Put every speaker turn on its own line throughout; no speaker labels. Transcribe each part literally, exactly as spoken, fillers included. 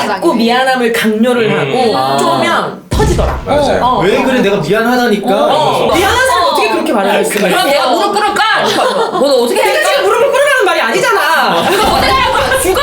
자꾸 미안함을 강요를
음.
하고
아.
쪼면 터지더라.
맞아요.
어.
왜 그래 내가 미안하다니까.
어. 미안한 사람 어떻게 그렇게 말을 할 수가 있어?
그럼 내가 무릎 꿇을까? 너는 어떻게
내가
할까?
지금 무릎을 꿇으라는 말이 아니잖아.
이거 어떻게 할 거야? 죽어?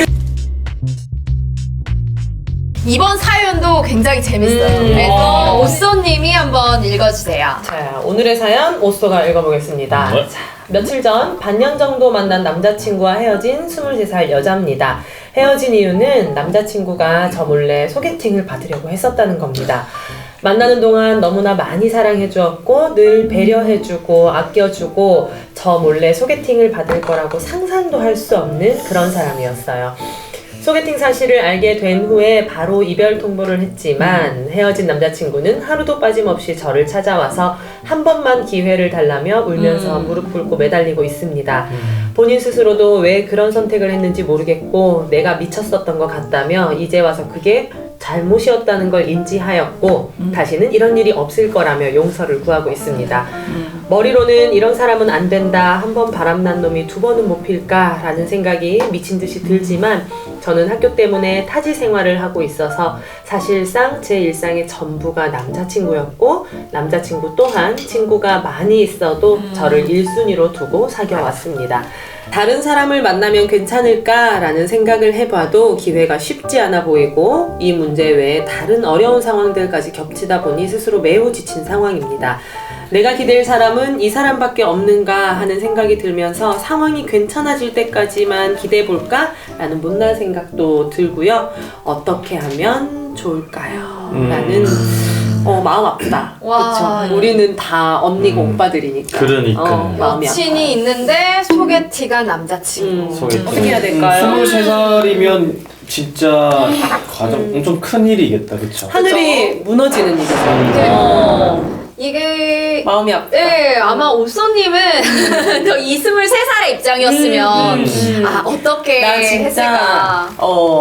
이번 사연도 굉장히 재밌어요.
음.
그래서
어.
오쏘님이 한번 읽어주세요.
자, 오늘의 사연 오쏘가 읽어보겠습니다.
네.
자, 며칠 전 반년 정도 만난 남자친구와 헤어진 스물세 살 여자입니다. 헤어진 이유는 남자친구가 저 몰래 소개팅을 받으려고 했었다는 겁니다. 만나는 동안 너무나 많이 사랑해주었고 늘 배려해주고 아껴주고 저 몰래 소개팅을 받을 거라고 상상도 할 수 없는 그런 사람이었어요. 소개팅 사실을 알게 된 후에 바로 이별 통보를 했지만 헤어진 남자친구는 하루도 빠짐없이 저를 찾아와서 한 번만 기회를 달라며 울면서
음.
무릎 꿇고 매달리고 있습니다. 본인 스스로도 왜 그런 선택을 했는지 모르겠고 내가 미쳤었던 것 같다며 이제 와서 그게 잘못이었다는 걸 인지하였고
음.
다시는 이런 일이 없을 거라며 용서를 구하고 있습니다.
음.
머리로는 이런 사람은 안 된다, 한 번 바람난 놈이 두 번은 못 필까 라는 생각이 미친 듯이 들지만 저는 학교 때문에 타지 생활을 하고 있어서 사실상 제 일상의 전부가 남자친구였고 남자친구 또한 친구가 많이 있어도 저를 일 순위로 두고 사귀어왔습니다. 다른 사람을 만나면 괜찮을까라는 생각을 해봐도 기회가 쉽지 않아 보이고 이 문제 외에 다른 어려운 상황들까지 겹치다 보니 스스로 매우 지친 상황입니다. 내가 기댈 사람은 이 사람밖에 없는가 하는 생각이 들면서 상황이 괜찮아질 때까지만 기대볼까? 라는 못난 생각도 들고요. 어떻게 하면 좋을까요?
음.
라는 어, 마음 아프다.
와.
그쵸? 우리는 다 언니고
음.
오빠들이니까.
그러니까.
어, 마음이 아파.
여친이 있는데 소개팅한 남자친구.
음,
소개팅.
어떻게 해야 될까요?
스물세 살이면 진짜 가장 엄청 큰 일이겠다, 그쵸?
하늘이 무너지는 일이죠. 어,
이게
마음이 아프다.
네, 아마 오쏘님은 저 이스물세 살의 입장이었으면
음.
아 어떻게
나 진짜
했을까?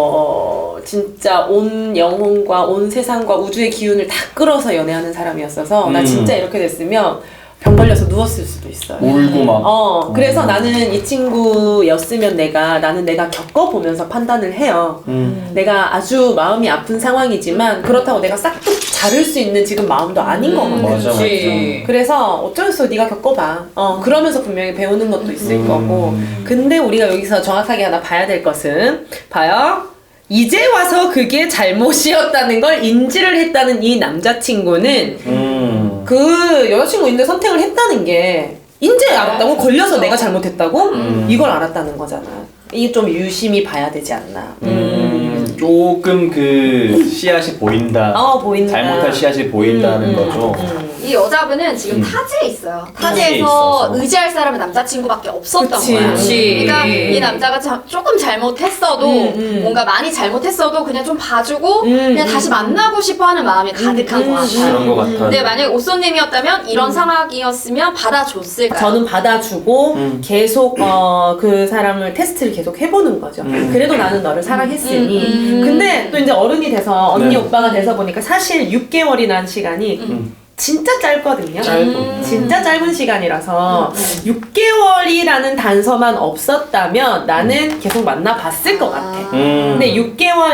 어 진짜 온 영혼과 온 세상과 우주의 기운을 다 끌어서 연애하는 사람이었어서 나
음.
진짜 이렇게 됐으면 병 걸려서 누웠을 수도 있어요.
울고 막.
어 그래서 나는 이 친구였으면 내가 나는 내가 겪어보면서 판단을 해요.
음.
내가 아주 마음이 아픈 상황이지만 그렇다고 내가 싹둑 자를 수 있는 지금 마음도 아닌 거 같아.
맞아, 맞아.
그래서 어쩔 수 없어 네가 겪어봐. 어 그러면서 분명히 배우는 것도 있을
음.
거고. 근데 우리가 여기서 정확하게 하나 봐야 될 것은 봐요. 이제 와서 그게 잘못이었다는 걸 인지를 했다는 이 남자친구는
음.
그 여자친구 있는데 선택을 했다는 게 인제 알았다고? 걸려서 내가 잘못했다고?
음.
이걸 알았다는 거잖아. 이게 좀 유심히 봐야 되지 않나.
음. 조금 그 씨앗이 보인다.
어 보인다.
잘못할 씨앗이 보인다는
음, 음,
거죠.
음.
이 여자분은 지금
음.
타지에 있어요.
타지에
타지에서
있어서.
의지할 사람은 남자친구밖에 없었던
그치,
거야.
그치.
그러니까 이 남자가 자, 조금 잘못했어도
음, 음.
뭔가 많이 잘못했어도 그냥 좀 봐주고
음,
그냥
음.
다시 만나고 싶어하는 마음이 가득한
음,
것 같아요.
그런 것 같아.
근데 만약에 오쏘님이었다면 이런 상황이었으면 받아줬을까요?
저는 받아주고
음.
계속 어, 그 사람을 테스트를 계속 해보는 거죠.
음.
그래도 나는 너를 사랑했으니.
음, 음.
근데 또 이제 어른이 돼서 언니
네.
오빠가 돼서 보니까 사실 육 개월이라는 시간이
음.
진짜 짧거든요.
짧고.
음.
진짜 짧은 시간이라서 육 개월이라는 단서만 없었다면 나는 계속 만나봤을 것 같아.
음.
근데 육 개월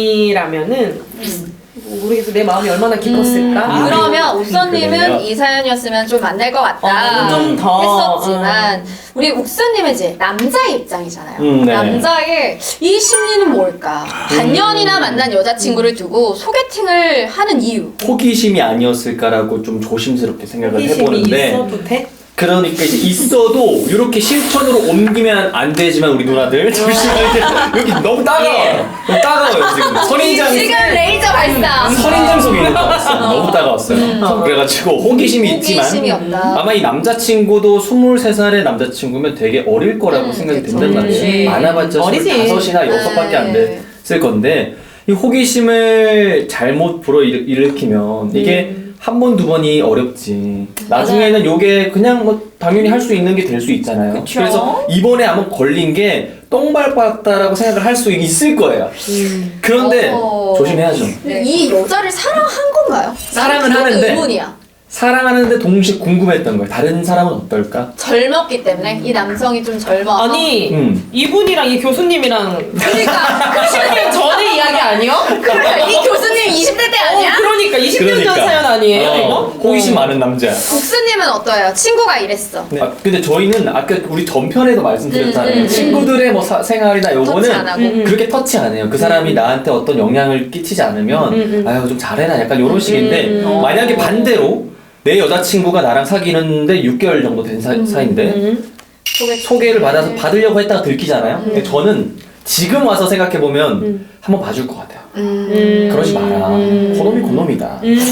아니라면은 모르겠어. 내 마음이 얼마나 깊었을까?
음.
그러면 옥선님은
그러면?
이 사연이었으면 좀 만날 것 같다
어, 좀 더,
했었지만 우리 옥선님은 이제 남자의 입장이잖아요.
음, 네.
남자의 이 심리는 뭘까? 반년이나 만난 여자친구를 두고 소개팅을 하는 이유.
호기심이 아니었을까라고 좀 조심스럽게 생각을
호기심이
해보는데
있어도 돼?
그러니까 이제 있어도 이렇게 실천으로 옮기면 안 되지만 우리 누나들 조심할 때 여기 너무 따가워요. 너무 따가워요 지금 선인장
지금 레이저 발사.
선인장 속에 있는 것 같았어요. 너무 따가웠어요. 그래가지고 호기심이 있지만
호기심이 없다.
아마 이 남자친구도 스물세 살의 남자친구면 되게 어릴 거라고
음,
생각이
그쵸.
든단
그치.
말이에요. 많아봤자
어리지.
스물다섯이나 여섯밖에 안
네.
됐을 건데 이 호기심을 잘못 불어일으키면 이게
음.
한 번, 두 번이 어렵지. 나중에는 요게 그냥 뭐 당연히 할 수 있는 게 될 수 있잖아요.
그쵸.
그래서 이번에 아마 걸린 게 똥밟았다라고 생각을 할 수 있을 거예요. 그런데
어.
조심해야죠.
이 여자를 사랑한 건가요?
사랑은
나는 그것도
하는데.
의문이야.
사랑하는데 동시에 궁금했던 거예요. 다른 사람은 어떨까?
젊었기 때문에 이 남성이 좀 젊어서
아니
음.
이분이랑 이 교수님이랑
그러니까
십 년 전의 이야기 아니요?
그러니까 이 교수님 이십 대 때 아니야?
어, 그러니까 이십 년 전 사연 아니에요
어,
이거?
호기심 많은 남자.
국수님은 어떠해요? 친구가 이랬어.
네. 아, 근데 저희는 아까 우리 전편에도 말씀드렸잖아요.
음, 음,
친구들의 뭐 사- 생활이나
터치 안
요거는
하고.
음, 음.
그렇게 터치 안 해요. 그 사람이 나한테 어떤 영향을 끼치지 않으면
음, 음.
아유 좀 잘해라 약간 이런 식인데
음, 음.
만약에 반대로 내 여자친구가 나랑 사귀는데 육 개월 정도 된 사, 사이인데
음.
소개
소개를 받아서 받으려고 했다가 들키잖아요. 근데 저는 지금 와서 생각해보면
음.
한번 봐줄 것 같아요.
음.
그러지 마라.
음.
그놈이 그놈이다.
음.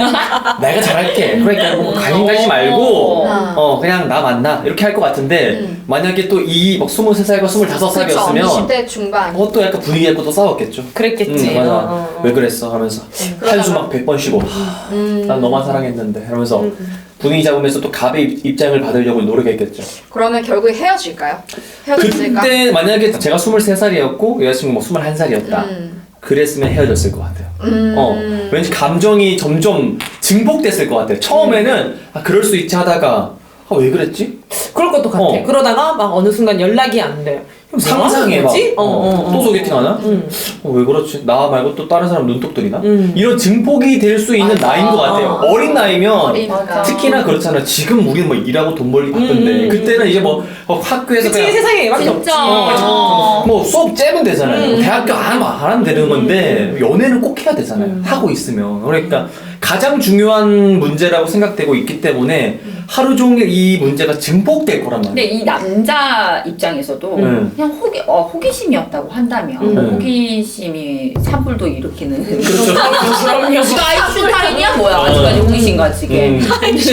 어. 내가 잘할게. 그러니까 뭐 관심 가지 말고
어.
어 그냥 나 만나 이렇게 할 것 같은데
음.
만약에 또 이 막 스물세 살과 스물다섯
그쵸.
살이었으면
이십 대 중반.
그것도 약간 분위기 갖고 또 싸웠겠죠.
그랬겠지.
응, 맞아.
어, 어, 어.
왜 그랬어? 하면서 한숨 막 백 번 쉬고 하,
음.
난 너만 사랑했는데 이러면서
음, 음.
분위기 잡으면서 또 갑의 입- 입장을 받으려고 노력했겠죠.
그러면 결국에 헤어질까요? 헤어졌을까?
그때 만약에 제가 스물세 살이었고 여자친구 뭐 스물한 살이었다.
음.
그랬으면 헤어졌을 것 같아요.
음.
어, 왠지 감정이 점점 증폭됐을 것 같아요. 처음에는 아, 그럴 수 있지 하다가 아, 왜 그랬지?
그럴 것도 같아.
어.
그러다가 막 어느 순간 연락이 안 돼. 그럼
상상해
뭐
막.
하는 거지?
어,
어, 어, 어.
또 소개팅 하나?
음.
어, 왜 그렇지? 나 말고 또 다른 사람 눈독 들이나?
음.
이런 증폭이 될 수 있는
맞아.
나이인 것 같아요.
어.
어린 나이면
어리니까.
특히나 그렇잖아. 지금 우리는 뭐 일하고 돈 벌기 바쁜데
음.
그때는 이제 뭐 어, 학교에서
그치
그냥
세상에 얘밖에 없지.
진짜.
어.
뭐 수업 째면 되잖아요.
음.
대학교 안, 안 하면 되는 건데 연애는 꼭 해야 되잖아요.
음.
하고 있으면. 그러니까 가장 중요한 문제라고 생각되고 있기 때문에 하루 종일 이 문제가 증폭될 거란
근데
말이에요.
이 남자 입장에서도
음.
그냥 호기, 어, 호기심이었다고 한다면
음.
호기심이 산불도 일으키는
그렇죠.
그럼요.
지가 아인슈타인이야 뭐야 아직까지 호기심 가지게
음.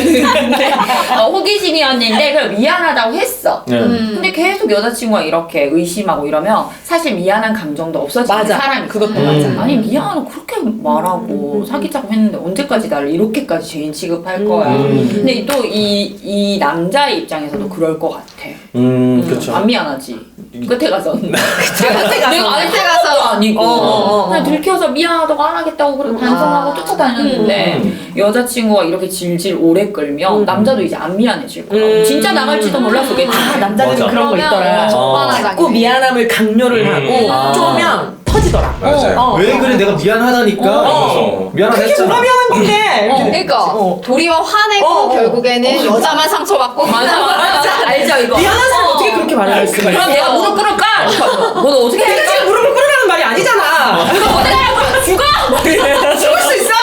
근데 어, 호기심이었는데 그걸 미안하다고 했어
네.
음.
근데 계속 여자친구가 이렇게 의심하고 이러면 사실 미안한 감정도 없어지는
맞아.
사람이
그것도
있어요.
맞아.
아니 미안하고 그렇게 말하고
음.
사귀자고 했는데 언제까지 나를 이렇게까지 죄인 취급할 거야
음.
근데 또 이 이 남자의 입장에서도 그럴 것 같아
음,
음,
그렇죠.
안 미안하지 끝에 가서 내가
끝에 가서.
내가 끝에 가서 아니고
어, 어, 어.
그냥 들켜서 미안하다고 안 하겠다고 그래 반성하고
아.
쫓아다녔는데
음.
여자친구가 이렇게 질질 오래 끌면
음.
남자도 이제 안 미안해질 거야
음.
진짜 나갈지도 몰랐겠지
아, 남자들은
맞아.
그런 거 있더라.
어, 적반하장이네.
자꾸 미안함을 강요를
음.
하고
아.
쪼면 터지더라.
맞아요.
어,
왜
어.
그래 내가 미안하다니까
어.
이러면서 미안하다
그게
했잖아.
뭐가 미안한 건데?
어.
이렇게
그러니까
어.
도리어 화내고
어, 어.
결국에는 여자만 상처받고
맞아 맞아 알죠 이거
미안한 사람 어떻게 그렇게 말할 수가 있어?
그럼 내가 무릎 꿇을까? 너 어떻게
내가
할까?
지금 무릎을 꿇으라는 말이 아니잖아.
이거 어떻게 할 거야? 죽어?
죽을 수 있어?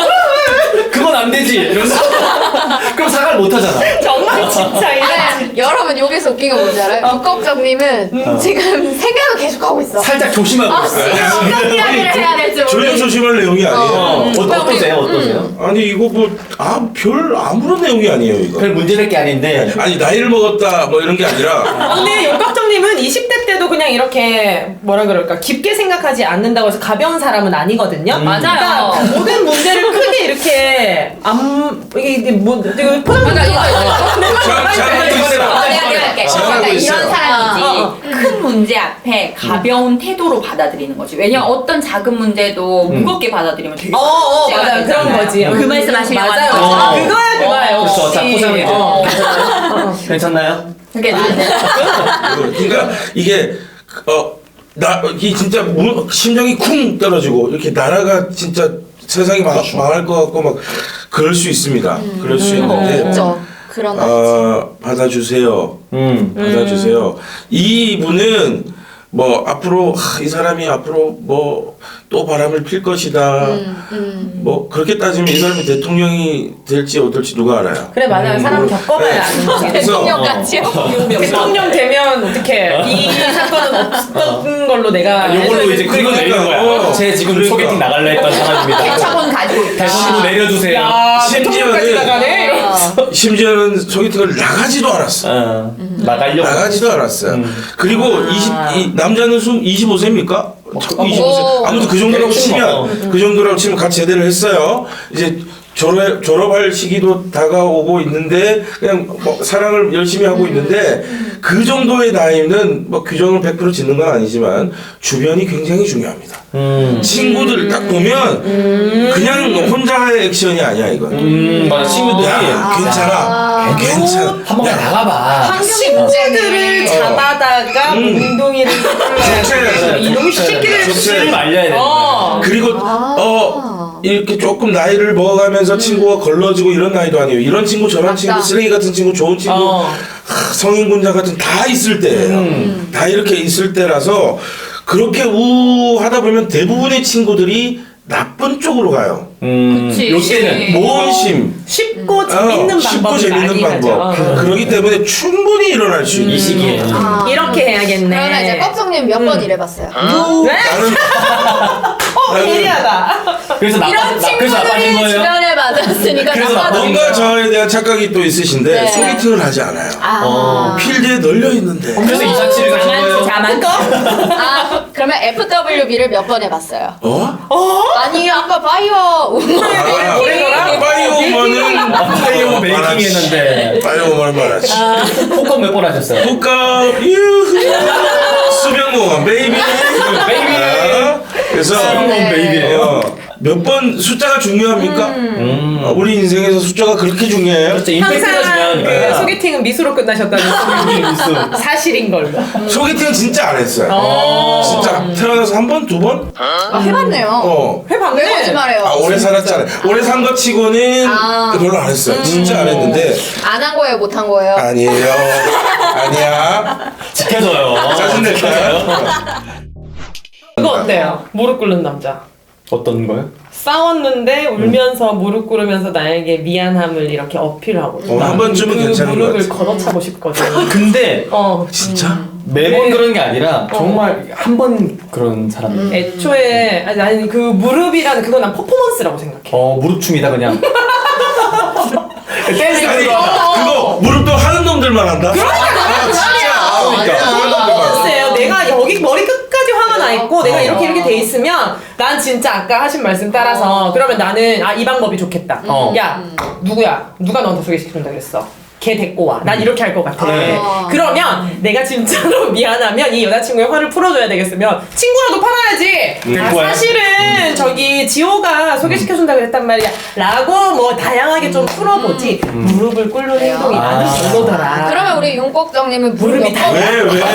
그건 안 되지 이러면서 그럼 사과를 못 하잖아.
정말 진짜 이래.
네, 여러분 여기서 웃긴 거 뭔지 알아요? 북걱정님은
어.
지금 생각을 계속 하고 있어.
살짝 조심하고 있어요.
어떤 이야기를 해야 될지
전혀
모르겠어.
조심할 내용이 아니에요.
어,
음.
어, 어떠세요? 어떠세요?
아니 이거 뭐 아 별 아무런 내용이 아니에요 이거.
별 문제될 게 아닌데
아니 나이를 먹었다 뭐 이런 게 아니라
근데 용각정님은 이십 대 때도 그냥 이렇게 뭐라 그럴까 깊게 생각하지 않는다고 해서 가벼운 사람은 아니거든요.
음.
맞아요.
그러니까 모든 문제를 크게 이렇게 안 이게 이게 뭐 이거 포장
그러니까 이거
잘- 잘하고 있어요.
어, 내가 내가 할게.
잘하고
그러니까
있어요.
이런 사람이지.
어, 어.
큰 문제 앞에 가벼운 태도로 받아들이는 거지. 왜냐면 어떤 작은 문제도
음.
무겁게 받아들이면 되게
어, 어,
문제가
맞아요. 그런
되잖아요.
거지.
그 말씀 하시려고
맞아요.
하는 거죠.
아, 그거야, 그거야.
어,
그렇죠. 자,
역시.
포장해.
어.
괜찮나요?
그게 나는
그러니까 이게 어나이 진짜 무- 심장이 쿵 떨어지고 이렇게 나라가 진짜 세상이 망, 망할 것 같고 막 그럴 수 있습니다. 그럴 수 있는데
그렇죠. 그런 거.
어, 받아주세요.
음.
받아주세요. 이분은 뭐 앞으로 하, 이 사람이 앞으로 뭐 또 바람을 필 것이다.
음, 음.
뭐 그렇게 따지면 이 사람이 대통령이 될지 어떨지 누가 알아요.
그래 맞아요. 사람 겪어봐야
네.
아는 거지.
그래서
대통령 같지요?
대통령 되면 어떻게 이 사건은 없었던 걸로 내가
요걸로 이제 그거 내리는 거야.
어.
제 지금
그러니까.
소개팅 나갈래 했던 사람입니다.
대처분 가지고 있다.
대신으로 내려주세요.
야 대통령까지
심지어는-
나가네. 이러면서.
심지어는 소개팅을 나가지도 않았어.
어, 나가려고.
나가지도 않았어요.
음.
그리고 이십 이 남자는 숨 이십오 세입니까? 자꾸 이십오 세.
오.
아무튼 그 정도라고
대충 뭐.
치면 그 정도라고 치면 같이 제대를 했어요. 이제 졸업, 졸업할 시기도 다가오고 있는데 그냥 뭐 사랑을 열심히 하고 있는데 그 정도의 나이는 뭐 규정을 백 퍼센트 짓는 건 아니지만 주변이 굉장히 중요합니다.
음.
친구들 딱 보면 그냥 혼자의 액션이 아니야 이건.
음, 맞아. 친구들이
야, 괜찮아.
아.
괜찮아.
한번 나가봐.
친구들을
어.
잡아다가
음.
몽둥이를
좋지.
이놈 새끼들
좋지.
씨를 말려야 돼.
어.
그리고
아.
어 이렇게 조금 나이를 먹어가면서 친구가 걸러지고 이런 나이도 아니에요. 이런 친구 저런
맞다.
친구 쓰레기 같은 친구 좋은 친구
어.
하, 성인군자 같은 다 있을 때예요.
음.
다 이렇게 있을 때라서 그렇게 우하다 보면 대부분의 친구들이 나쁜 쪽으로 가요.
음,
그치.
요때는
모험심,
쉽고 재밌는
어, 쉽고
방법을
재밌는
많이
방법.
하죠. 어.
그러기 때문에 충분히 일어날 수 있는
이 시기에.
아.
이렇게 해야겠네.
그러면 이제 꺽정님 몇 번 일해봤어요?
네?
나는
어, 예리하다.
그래서 나,
이런
나, 그래서 나빠진
친구들이
거예요?
주변에 맞았으니까
그래서
나빠진
뭔가
거예요.
저에 대한 착각이 또 있으신데
네.
소개팅을 하지 않아요.
아.
어,
필드에 널려 있는데.
그래서 이사치를 가신 거예요?
자만거?
아, 그러면 에프더블유비를 몇 번 해봤어요?
어?
아니 아까 바이오
아,
그래서라?
파이오만은
파이오 메이킹 했는데.
파이오만 말하지.
폭격 몇 번 하셨어요?
국가 유후 수병공원 베이비
베이비.
아, 그래서
수병공원 베이비예요.
어, 몇 번 숫자가 중요합니까?
음.
어, 우리 인생에서 숫자가 그렇게 중요해요?
그렇죠. 임팩트가
항상
중요하니까.
소개팅은 미수로 끝나셨다는 소문이 사실인 걸로.
소개팅은 진짜 안 했어요.
어.
진짜 태어나서 한 번, 두 번?
아, 해봤네요.
어.
해봤네.
왜 거짓말해요?
아, 오래 살았잖아요. 오래 산 것 치고는
아.
별로 안 했어요. 진짜 안 했는데
안 한 거예요, 못 한 거예요?
아니에요. 아니야.
지켜줘요.
짜증 낼까요?
그거 어때요? 무릎 꿇는 남자.
어떤 거요?
싸웠는데 울면서 무릎 꿇으면서 나에게 미안함을 이렇게 어필하고.
어, 한 번쯤은
그
괜찮은 것
무릎을
같아.
걷어차고 싶거든.
근데
어.
진짜?
매번
네.
그런 게 아니라 정말 한 번 그런 사람.
애초에 아니, 아니 그 무릎이라는 그건 난 퍼포먼스라고 생각해.
어 무릎춤이다 그냥. 댄스
아니
그거.
그거 무릎도 하는 놈들만 한다? 아, 진짜. 아,
그러니까.
하는 놈들만.
퍼포먼스예요. 내가 여기 머리 끝까지 화가 나 있고 내가 이렇게 이렇게 돼 있으면 난 진짜 아까 하신 말씀 따라서 그러면 나는 아 이 방법이 좋겠다.
어.
야 누구야? 누가 너한테 소개시켜준다 그랬어? 걔 데리고 와. 난 이렇게 할 것 같아.
네.
그러면 내가 진짜로 미안하면 이 여자친구의 화를 풀어줘야 되겠으면 친구라도 팔아야지.
음,
아,
그거야.
사실은 저기 지호가 소개시켜준다 그랬단 말이야. 라고 뭐 다양하게 좀 풀어보지. 무릎을 꿇는 행동이
아.
나는 별로더라.
그러면 우리 윤꺽정님은 무릎
무릎이
몇
다-
번?
왜, 왜, 왜?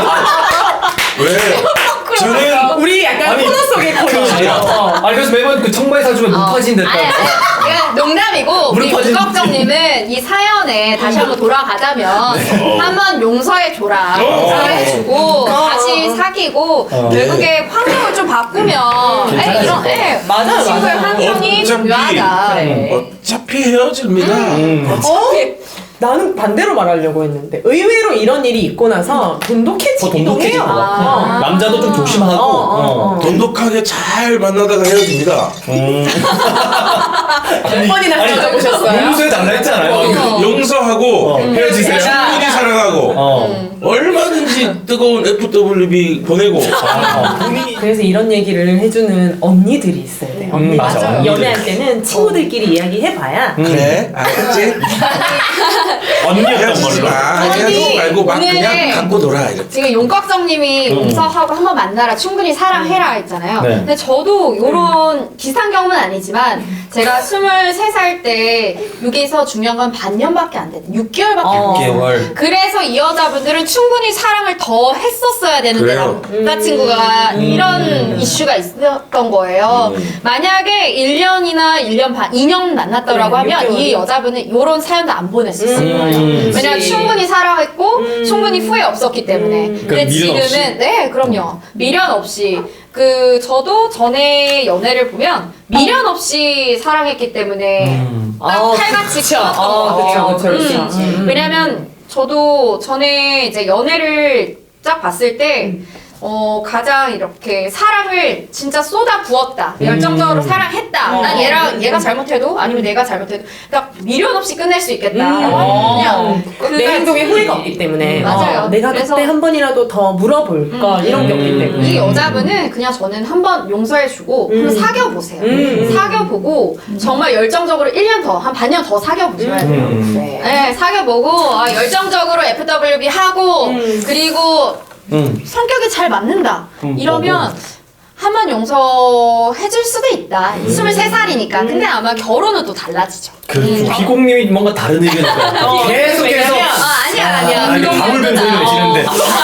왜? 저는
우리 약간
아니,
코너 속의 코너예요.
아니 그래서 매번 그 청바지 사주면 못 파진댔다.
아니, 아니, 그냥 농담이고 우리
무릎 파진-
윤꺽정님은 이 사연에 다시 한번 돌아가자면 한번 용서해 줘라.
어.
용서해주고 다시 사귀고
어.
결국에 환경을 좀 바꾸면 에, 이런 에,
맞아요,
친구의
맞아요.
환경이
어차피-
중요하다.
그래.
어차피 헤어집니다.
음.
어? 나는 반대로 말하려고 했는데 의외로 이런 일이 있고 나서 돈독해지기도
더 돈독해질
해요.
것 같아.
아.
남자도 좀 조심하고.
어, 어, 어.
돈독하게 잘 만나다가 헤어집니다.
음.
몇 번이나 헤어져보셨어요?
용서해 달라 했잖아요.
어.
용서하고
어, 헤어지세요.
충분히 사랑하고
어.
얼마든지 뜨거운 에프더블유비 보내고
어.
그래서 이런 얘기를 해주는 언니들이 있어야 돼요.
음, 맞아.
맞아요. 연애할 때는 친구들끼리 이야기해봐야
음.
그래 알겠지?
언니였던
헤어지지
걸로.
마.
언니,
헤어지지 말고 막
오늘-
그냥 갖고 놀아 이렇게.
지금 용꺽정님이
음.
용서하고 한번 만나라 충분히 사랑해라 했잖아요.
네.
근데 저도 이런 비슷한 경험은 아니지만 제가 스물세 살 때 여기서 중요한 건 반년밖에 안 됐, 육 개월밖에
어.
안 됐어요.
개월.
그래서 이 여자분들은 충분히 사랑을 더 했었어야 되는데
그래요.
남자친구가
음.
이런 이슈가 있었던 거예요.
음.
만약에 일 년이나 일 년 반, 이 년 만났더라고
그래,
하면
육 개월이.
이 여자분은 이런 사연도 안 보냈었어요.
음.
왜냐면
그치.
충분히 사랑했고
음.
충분히 후회 없었기 때문에.
음.
근데
그럼 미련 없이?
지금은 네 그럼요 미련 없이 그 저도 전에 연애를 보면 미련 없이 사랑했기 때문에
음.
딱
어,
칼같이
그쵸.
키웠던
어,
것 같아요.
그쵸, 그쵸, 그쵸.
음.
음.
왜냐면 저도 전에 이제 연애를 딱 봤을 때 어, 가장 이렇게 사랑을 진짜 쏟아 부었다. 열정적으로 사랑했다.
음.
난 얘랑 얘가 잘못해도 아니면 내가 잘못해도 딱 미련 없이 끝낼 수 있겠다.
음.
그냥
내 행동에 후회가 없기 때문에
음, 맞아요.
어, 내가
그래서-
그때 한 번이라도 더 물어볼 걸 이런 게 없기 때문에
이 여자분은 그냥 저는 한번 용서해주고
음.
한번 사귀어보세요.
음.
사귀어보고 정말 열정적으로 일 년 더, 한 반년 더 사귀어보셔야 돼요.
음.
네.
네, 사귀어보고 아, 열정적으로 에프 더블유 비 하고
음.
그리고
음.
성격이 잘 맞는다.
음,
이러면 한 번 용서해줄 수도 있다. 스물세 살이니까. 근데 아마 결혼은 또 달라지죠.
그
음.
비공님이 뭔가 다른 의견이니까
어,
계속해서
왜냐면-
아, 아니야, 아니야.
아, 이거 밤을 된 소리 내시는데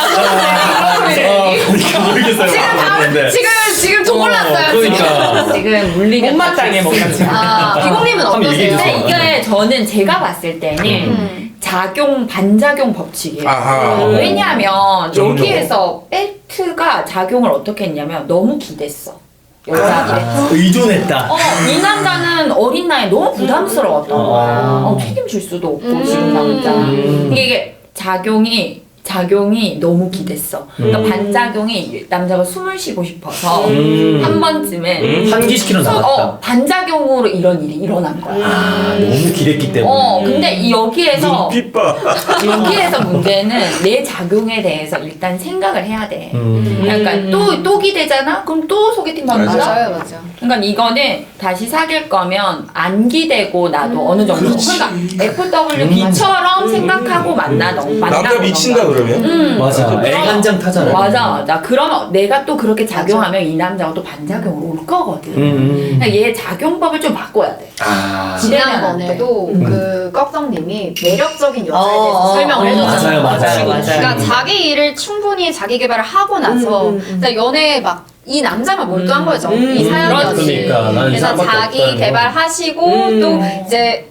그러니까 모르겠어요.
지금 다,
모르겠는데.
지금, 지금 돈 올랐어요. 지금.
그러니까
지금 물리가
못마땅해 뭔가 지금
아, 비공님은
한번 얘기해
어떠세요?
주세요.
근데 이게 저는 제가 봤을 때는
음.
작용 반작용 법칙이에요.
아하.
음.
왜냐하면
전문용어.
여기에서 벨트가 작용을 어떻게 했냐면 너무 기댔어. 여자들이.
아, 의존했다.
어, 이 남자는 어린 나이에 너무 부담스러웠던 거야.
아.
어, 책임질 수도 없고
음.
지금 당장.
음.
이게, 이게 작용이 작용이 너무 기댔어. 그러니까
음.
반작용이 남자가 숨을 쉬고 싶어서
음.
한 번쯤에
음. 환기시키러 나갔다.
어, 반작용으로 이런 일이 일어난 거야.
아, 너무 기댔기 때문에.
어, 근데 이 여기에서
눈빛 봐.
여기에서 문제는 내 작용에 대해서 일단 생각을 해야 돼.
음.
그러니까 또, 또 기대잖아? 그럼 또 소개팅 받는 거야?
맞아요, 맞아요.
그러니까 이거는 다시 사귈 거면 안 기대고 나도 어느 정도.
그렇지.
그러니까 에프 더블유 비처럼 생각하고 만나던 만나고
남자 미친다 그러면?
음.
맞아. 애간장 타잖아.
맞아, 맞아. 그러면 내가 또 그렇게 작용하면 이 남자가 또 반작용으로 올 거거든.
음.
그러니까 얘 작용법을 좀 바꿔야 돼.
아.
지난번에도
음.
그 꺽덕님이 매력적인 여자에
어,
대해서
어,
설명을
어,
해줬잖아요.
맞아요, 맞아요,
맞아요.
그러니까 자기 일을 충분히 자기 개발을 하고 나서
음, 음, 음.
그러니까 연애에 막 이 남자만 몰두한
음.
거죠.
음,
이 사연이었지.
그러니까 나는 이
그래서
사람밖에
자기
없다는 거.
개발하시고
음.
또 이제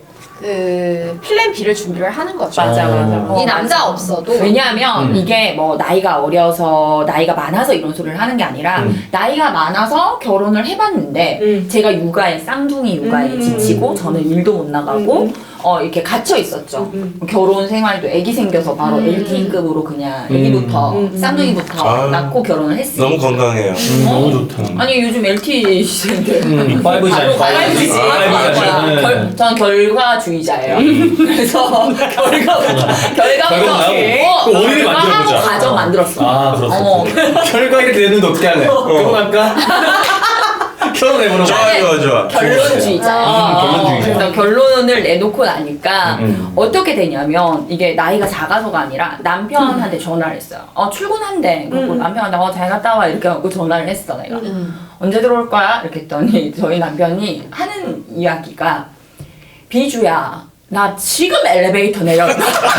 그 플랜 B를 준비를 하는 거죠.
맞아, 맞아.
어.
이 남자 없어도
왜냐하면
음.
이게 뭐 나이가 어려서 나이가 많아서 이런 소리를 하는 게 아니라
음.
나이가 많아서 결혼을 해봤는데
음.
제가 육아에 쌍둥이 육아에
음.
지치고 저는 일도 못 나가고
음.
어 이렇게 갇혀 있었죠.
음.
결혼 생활도 아기 생겨서 바로
음.
엘티이급으로 그냥
음.
아기부터
음.
쌍둥이부터
아.
낳고 결혼을 했으니까.
너무 건강해요.
음, 너무 좋다.
아니 요즘 엘티 시대인데
음, 파이브잖아요.
바로
파이브지.
파이브지.
아, 파이브잖아요.
아, 결, 전 결과주의자예요. 그래서 결과 결과부터
결과하고.
어,
그 원인을
결과하고
만들어보자.
과정 만들었어.
아, 그렇습니다.
어.
결과 이렇게 되는데 어떻게 할래? 결혼할까? 결혼해보는
좋아
거야.
좋아 좋아.
결론주의자야.
음, 결론주의자.
그래서 결론을 내놓고 나니까
음.
어떻게 되냐면 이게 나이가 작아서가 아니라 남편한테 전화를 했어요. 어 출근한대. 그리고
음.
남편한테 어 잘 갔다 와 이렇게 하고 전화를 했어 내가.
음.
언제 들어올 거야? 이렇게 했더니 저희 남편이 하는 이야기가 비주야 나 지금 엘리베이터 내렸다.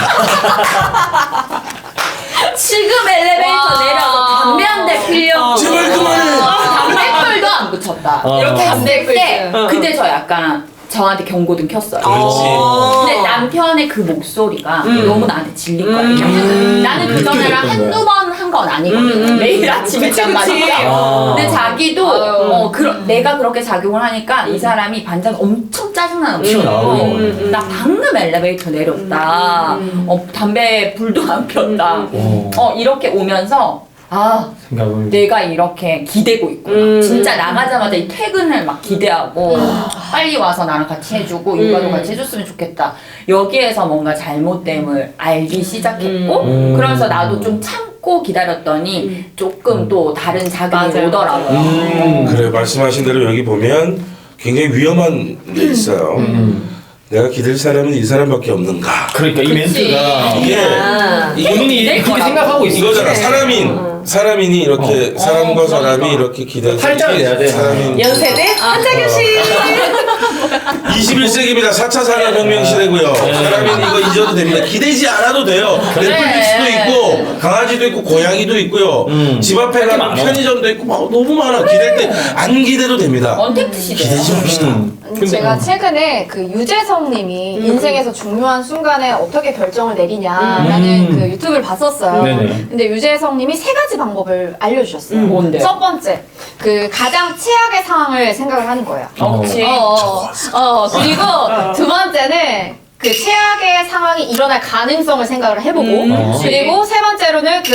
지금 엘리베이터
와.
내려서 담배 한 대 피려고
제발 그만해.
어, 담배불도 안 붙였다.
어.
이렇게 했을 때
어.
근데 저 약간 저한테 경고등 켰어요.
그렇지.
근데 남편의 그 목소리가
음.
너무 나한테 질린 거야.
음.
나는 그 전에랑
느껴졌던
한두 번 한 건 아니거든.
음.
매일 아침
그치,
했단
그치.
말이야.
아.
근데 자기도
아유.
어, 그러, 내가 그렇게 작용을 하니까 이 사람이 반장 엄청 짜증나는
음.
거고
음, 음.
나 방금 엘리베이터 내렸다.
음.
어, 담배 불도 안 폈다.
어.
어, 이렇게 오면서 아
생각을.
내가 이렇게 기대고 있구나.
음.
진짜 나가자마자 이 퇴근을 막 기대하고 빨리 와서 나랑 같이 해주고 육아도
음.
같이 해줬으면 좋겠다. 여기에서 뭔가 잘못됨을 알기 시작했고
음.
그러면서 나도 좀 참고 기다렸더니
음.
조금 또 다른 자극이
맞아요.
오더라고요.
음.
그래 말씀하신 대로 여기 보면 굉장히 위험한 게 있어요.
음.
내가 기댈 사람은 이 사람밖에 없는가.
그러니까 이 멘트가
이게
아.
이게
본인이
내
그렇게
거라고.
생각하고 있어.
이거잖아. 사람인
어.
사람인이 이렇게
어.
사람과
어,
사람이
그러니까.
이렇게 기대.
팔자를 내야 돼.
사람인
연세대 한자교 씨.
이십일 세기입니다. 사 차 산업혁명 시대고요. 사람인 이거 잊어도 됩니다. 기대지 않아도 돼요. 넷플릭스도 있고 강아지도 있고 고양이도 있고요.
음.
집 앞에
그렇게
가면
많아.
편의점도 있고 막 너무 많아. 기댈 때 안 기대도 됩니다.
언택트 시대야.
기대지 맙시다.
음. 근데
제가
어.
최근에 그 유재석님이
음.
인생에서 중요한 순간에 어떻게 결정을 내리냐라는
음.
그 유튜브를 봤었어요.
네네.
근데 유재석님이 세 가지 방법을 알려주셨어요.
음, 뭔데요?
첫 번째, 그 가장 최악의 상황을 생각을 하는 거예요.
어.
그렇지.
어, 어, 어, 그리고 두 번째는 그 최악의 상황이 일어날 가능성을 생각을 해보고
음,
그치.
그리고 세 번째로는 그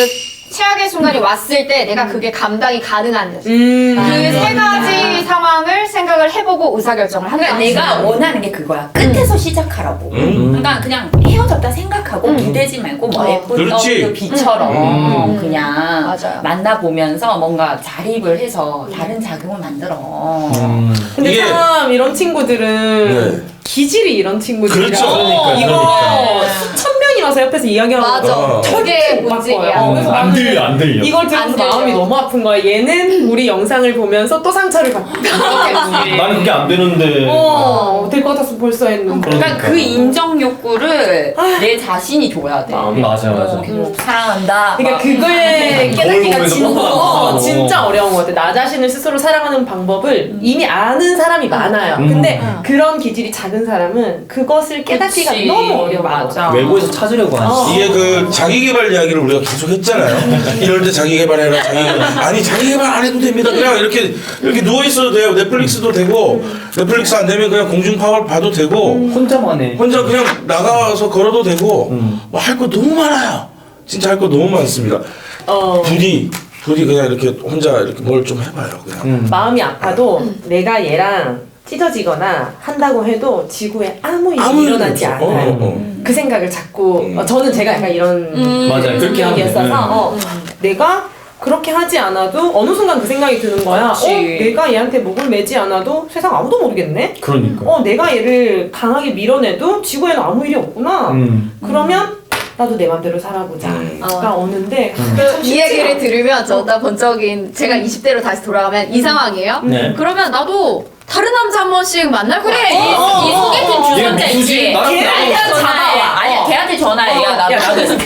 최악의 순간이 왔을 때 내가 그게 감당이 가능한지
음.
그 세 가지 상황을 생각을 해보고 의사결정을 한다.
그러니까 내가 원하는 게 그거야. 끝에서 시작하라고.
음.
그러니까 그냥 헤어졌다 생각하고
음.
기대지 말고 뭐
어.
예쁜
그렇지.
그 비처럼
음.
그냥
맞아요.
만나보면서 뭔가 자립을 해서 다른 자극을 만들어.
음.
근데
이게-
참 이런 친구들은
네.
기질이 이런 친구들이라
그렇죠.
그러니까,
이거
그러니까.
수천 명이 와서 옆에서 이야기하고
맞아.
어.
저게 문제야.
어, 그래서
안
나는
들려 안 들려.
이걸 들어서
안 들려.
마음이 너무 아픈 거야. 얘는 우리 영상을 보면서 또 상처를 받고
나는 그게 안 되는데.
어, 될 것 같았으면 벌써 했는데.
그러니까
그러니까.
그 인정 욕구를 내 자신이 줘야 돼.
마음이
맞아 맞아.
어, 계속 사랑한다.
그러니까
막
그걸 깨닫기가
보면서
진짜,
뻔뻔하고.
어, 진짜 어려운 것 같아. 나 자신을 스스로 사랑하는 방법을 이미 아는 사람이 많아요.
음.
근데
음.
그런 기질이 작은 사람은 그것을 깨닫기가
그치.
너무 어려워.
맞아.
외부에서 찾으려고 하지.
어.
이게 그 자기개발 이야기를 우리가 계속 했잖아요. 이럴 때 자기개발해라, 자기개발. 아니, 자기개발 안 해도 됩니다. 그냥 이렇게, 이렇게 누워있어도 돼요. 넷플릭스도 되고, 넷플릭스 안 되면 그냥 공중파를 봐도 되고,
혼자만 해.
혼자 그냥 나가서 걸어도 되고,
음.
뭐 할 거 너무 많아요. 진짜 할 거 너무 많습니다.
어.
부디, 부디 그냥 이렇게 혼자 이렇게 뭘 좀 해봐요. 그냥.
음.
마음이 아파도 내가 얘랑 찢어지거나 한다고 해도 지구에 아무 일이
아무 일도
일어나지
없어.
않아요.
어, 어, 어.
그 생각을 자꾸
음.
어, 저는 제가 약간 이런
음.
맞아요. 그렇게 하면 돼.
생각이었어서 어, 내가 그렇게 하지 않아도 어느 순간 그 생각이 드는 거야.
그치.
어, 내가 얘한테 목을 매지 않아도 세상 아무도 모르겠네.
그러니까.
어, 내가 얘를 강하게 밀어내도 지구에는 아무 일이 없구나.
음.
그러면 나도 내 맘대로 살아보자.
음.
가 오는데
음.
그게 참
이
쉽지가
얘기를
않아.
들으면 저다 번쩍인 제가 이십 대로 다시 돌아가면 이 상황이에요.
네.
그러면 나도 다른 남자 한 번씩 만날 거야.
그래, 이,
어,
이 소개팅
어,
얘
주선자
누구지?
있지.
나랑
걔한테
나랑
전화해. 아니,
어.
걔한테 전화해. 야, 나
야,
나도
나도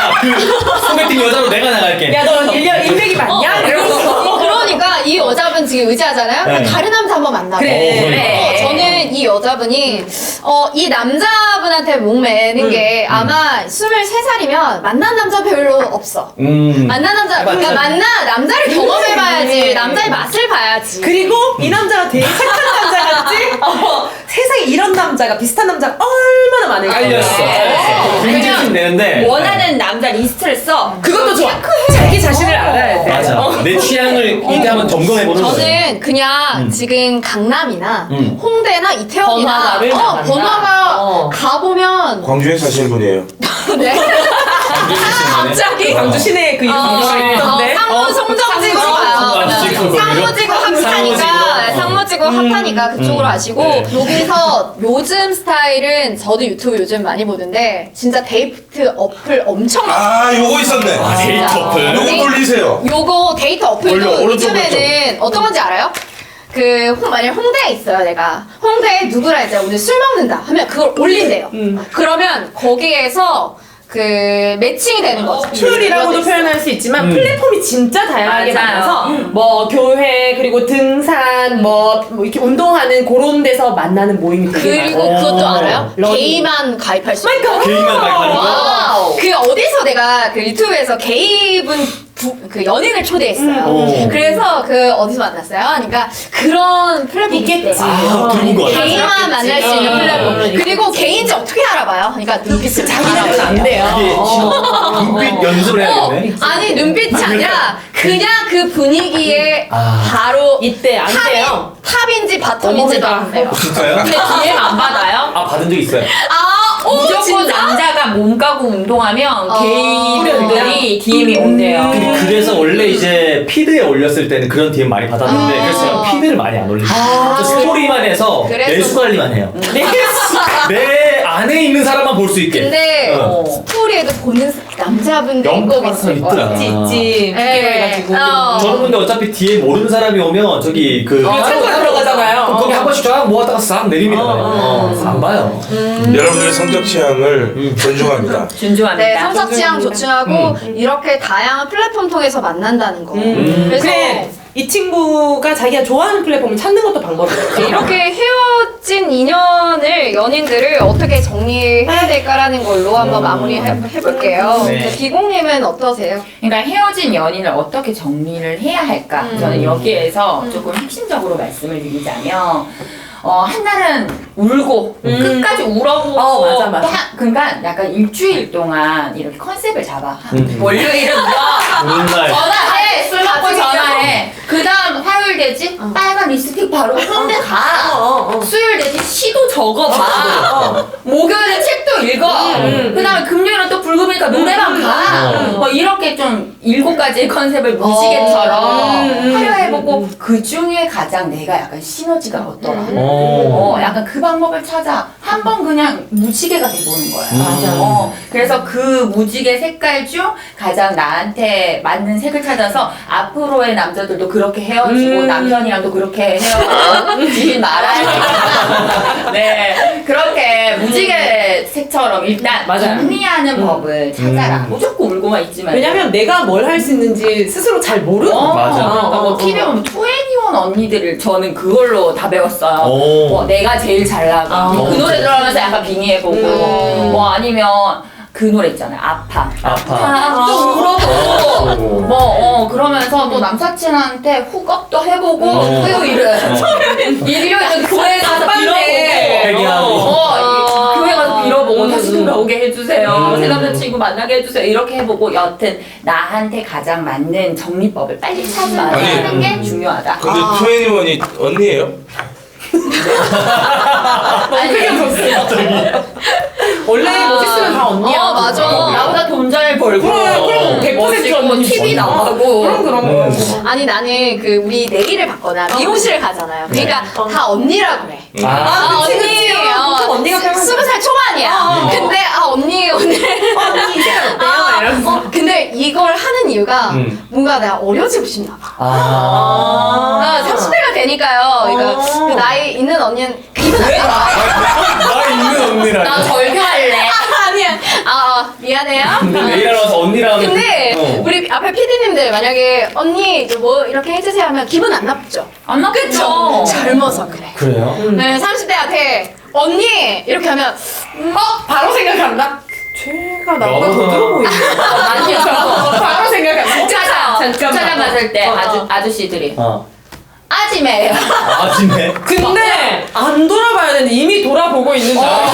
야그 소개팅 여자로 내가 나갈게.
야, 너 일년 일백이 맞냐? 이러면서.
그러니까 이 여자분 지금 의지하잖아요.
네.
다른 남자 한 번 만나고.
그래.
그래.
어, 저는 이 여자분이 어, 이 남자분한테 목매는
음.
게 아마 스물세 살이면 만난 남자 별로 없어.
음.
만난 남자, 그러니까 만나 남자를 경험해봐야지. 남자의 맛을 봐야지.
그리고 이 남자가 되게 착한 남자 같지? 어, 세상에 이런 남자가 비슷한 남자가 얼마나 많을까?
알렸어.
네.
굉장히 되는데.
원하는 남자 리스트를 써.
그것도 좋아. 자기 자신을 알아야 돼.
맞아.
어.
내 취향을 이때 한번 점검해 보는 거야.
저는 그냥
음.
지금 강남이나
음.
홍대나 이태원이나
번화가를
어,
나간다.
번화가
어.
가보면
광주에 사시는 분이에요.
네.
갑자기.
광주 시내에 그 이름
어,
들어가 있던데.
상무
어.
송정지구
상무지구
가요. 상무지구 핫하니까
상무지구.
상무지구 핫하니까 그쪽으로
음.
아시고
네.
여기서 요즘 스타일은 저도 유튜브 요즘 많이 보는데 진짜 데이트 어플 엄청 많아요.
아, 요거 있었네.
아, 데이트 어플.
요거 돌리세요.
요거 데이트
올려,
어플도
오른쪽,
요즘에는 어떤 건지 알아요? 그 홍, 만약 홍대에 있어요 내가 홍대에 누구랑 이제 오늘 술 먹는다 하면 그걸 올린대요.
음.
그러면 거기에서 그 매칭이 되는 거죠.
툴이라고도 표현할 수 있지만
음.
플랫폼이 진짜 다양하게
맞아요.
많아서 뭐 교회 그리고 등산 뭐, 뭐 이렇게 운동하는 그런 데서 만나는 모임이 되게
그리고
많아요.
그것도
어.
알아요?
러닝.
게이만 가입할 수 있어요.
그러니까
개인만 가입하는 거?
와우. 그 어디서 내가 그 유튜브에서 게이분 부, 그 연인을 초대했어요.
음.
그래서 그 어디서 만났어요? 그러니까 그런 플랫폼이
있겠지.
있대요.
아, 들은 거 같아.
개인만 만날 수 있는
음.
플랫폼.
음.
그리고 개인지 어떻게 알아봐요? 그러니까 눈빛을
자기는 안
알아봐요.
돼요.
이게
어.
눈빛 연습을 해야겠네.
아니 눈빛이 아니라 그냥 그 분위기에
아.
바로
이때 안 돼요.
탑, 탑인지 바텀인지도 안 돼요.
진짜요?
근데 디엠 안 받아요?
아 받은 적 있어요.
아, 오
무조건
진짜?
남자가 몸 가고 운동하면
어.
게이분들이 디엠이 온대요.
근데 그래서 원래 이제 피드에 올렸을 때는 그런 디엠 많이 받았는데
아.
그래서 제가 피드를 많이 안 올리고
아.
스토리만 해서
그래서-
내수 관리만 해요.
네.
내 안에 있는 사람만 볼 수 있게.
근데
어.
스토리에도 보는 남자분들이 꼭
영특한
있을
사람
거예요.
있더라.
있지 있지.
네.
해가지고.
어.
저는 근데 어차피 뒤에 모르는 사람이 오면 저기 그
어, 참고로 들어가잖아요.
그럼 거기 한 번씩 쫙 모았다가 싹 내립니다.
어, 어.
어, 안 봐요.
여러분들의 성적 취향을
음.
존중합니다.
준주합니다.
네, 성적 취향 조충하고
음.
이렇게 다양한 플랫폼 통해서 만난다는 거.
음.
그래서
그래 이 친구가 자기가 좋아하는 플랫폼을 찾는 것도 방법이에요.
이렇게 헤어진 인연을 연인들을 어떻게 정리해야 될까라는 걸로 한번 마무리 해, 해볼게요.
네.
네. 비공님은 어떠세요?
그러니까 헤어진 연인을 어떻게 정리를 해야 할까?
음.
저는 여기에서 조금 핵심적으로 말씀을 드리자면 어, 한 날은 울고 끝까지 울어보고
어, 맞아, 맞아.
딱 그러니까 약간 일주일 동안 이렇게 컨셉을 잡아.
음.
월요일은 뭐
우는 날.
전화해 술 먹고 전화해. 그 다음 화요일 되지 빨간 립스틱 바르고 홍대 가.
어, 어, 어.
수요일 되지 시도 적어봐.
어.
목요일은 책도 읽어.
음,
그 다음에 금요일은 또 붉으니까 노래방 가.
음.
뭐 이렇게 좀 일곱 가지의 컨셉을 무지개처럼
음,
화려해보고 그 중에 가장 내가 약간 시너지가 없더라.
어.
어, 약간 그 방법을 찾아 한 번 그냥 무지개가 돼보는 거야.
맞아.
어, 그래서 그 무지개 색깔 중 가장 나한테 맞는 색을 찾아서 앞으로의 남자들도 그렇게 헤어지고
음.
남편이랑도 그렇게 헤어지지 말아야 네, 그렇게 무지개 색처럼 일단
맞아요.
정리하는 법을 찾아라.
음.
무조건 울고만 있지 말고.
왜냐면 내가 뭘 할 수 있는지 스스로 잘 모르는
어,
거야.
맞아.
그러니까 뭐
어, 어,
티비에 보면 투애니원 언니들을 저는 그걸로 다 배웠어요.
오.
뭐 내가 제일 잘 나가.
아.
그 노래 들어가면서 약간 빙의해보고.
음.
뭐 아니면 그 노래 있잖아요. 아파.
아파.
아, 또 울어보고.
오.
뭐, 어, 그러면서 또 남사친한테 훅업도 해보고.
어.
토요일은. 일요일은 교회 가서 빌어보고.
회개하고.
어, 이- 교회 가서 빌어보고
음.
다시 돌아오게 해주세요.
음.
새 남자친구 만나게 해주세요. 이렇게 해보고 여튼 나한테 가장 맞는 정리법을 빨리 찾아야
아니,
하는 게 중요하다.
근데
아.
투애니원이 언니예요?
원래 뭐 섹스는 다 언니야.
어, 맞아.
나보다 돈 잘 벌고
그래, 그럼 백 퍼센트
멋있고
언니지.
티비 나가고
그럼 그럼.
음.
아니 나는 그 우리 내일을 받거나 미용실을 가잖아요. 그러니까 다 언니라고 해.
아.
아,
그치,
언니,
그치.
어,
보통 언니가 표현하지.
스무 살 초반이야.
어.
근데 아 언니 오늘
언니 이제 어때요?
아,
이러면서.
어, 근데 이걸 하는 이유가
음.
뭔가 내가 어려지고 싶나 봐.
아.
아, 삼십 대가 되니까요. 그러니까
어.
그 나이 있는 언니는 기분 안 나빠.
나 있는 언니랑.
나 절교할래.
아니야. 아, 아, 미안해요.
근데 내일 알아서 언니랑.
근데
어.
우리 앞에 피디님들 만약에 언니 이제 뭐 이렇게 해주세요 하면 기분 안 나쁘죠?
안 나쁘죠.
젊어서 그래.
그래요?
네, 삼십 대한테 언니 이렇게 하면 어? 바로 생각한다?
쟤가 나보다 더
너무-
들어 보이네.
아니요.
바로 생각한다.
주차장
잠깐만.
주차장 갔을 때
어, 어.
아주 아저씨들이
어.
아지매예요.
아, 진네.
근데 안 돌아봐야 되는데 이미 돌아보고 있는 줄 알아.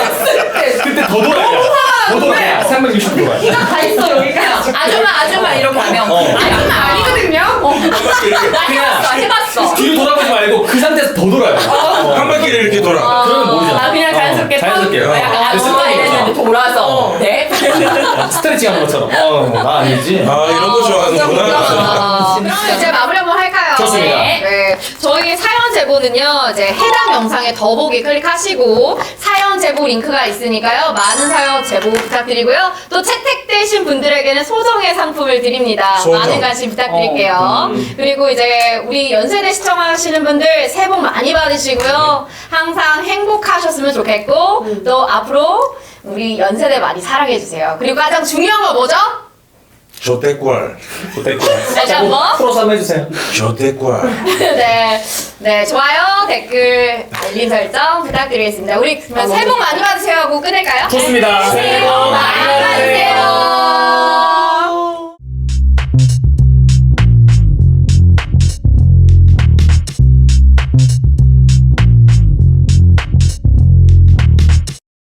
그때 더 돌아야 더 돌아야 삼백육십 도야.
다 있어 여기가. 아줌마 아줌마 이렇게 하면
어.
아줌마 아니거든요. 어. 나 해봤어 해봤어.
뒤로 돌아보지 말고 그 상태에서 더 돌아요. 어.
한 바퀴를 이렇게 돌아.
그러면 모르잖아.
아 그냥 자연스럽게
어, 자연스럽게.
턴,
어.
약간 아줌마
습관이
이랬는데
있어.
돌아서 네.
스트레칭 하는 것처럼. 어, 나 아니지.
아 이런 거 좋아하는구나.
아, 그럼 이제 마무리 한번 할까요?
좋습니다.
네. 저희 사연 제보는요, 이제 해당 영상에 더보기 클릭하시고, 사연 제보 링크가 있으니까요, 많은 사연 제보 부탁드리고요. 또 채택되신 분들에게는 소정의 상품을 드립니다.
소정.
많은 관심 부탁드릴게요.
어, 음.
그리고 이제 우리 연세대 시청하시는 분들 새해 복 많이 받으시고요. 항상 행복하셨으면 좋겠고, 또 앞으로 우리 연세대 많이 사랑해주세요. 그리고 가장 중요한 거 뭐죠?
조태꼴.
다시 한 번.
풀어서 한번 해주세요.
조태꼴.
네, 네, 좋아요, 댓글, 알림 설정 부탁드리겠습니다. 우리 그러면 새해 복 많이 받으세요 하고 끝낼까요?
좋습니다.
새해 복 많이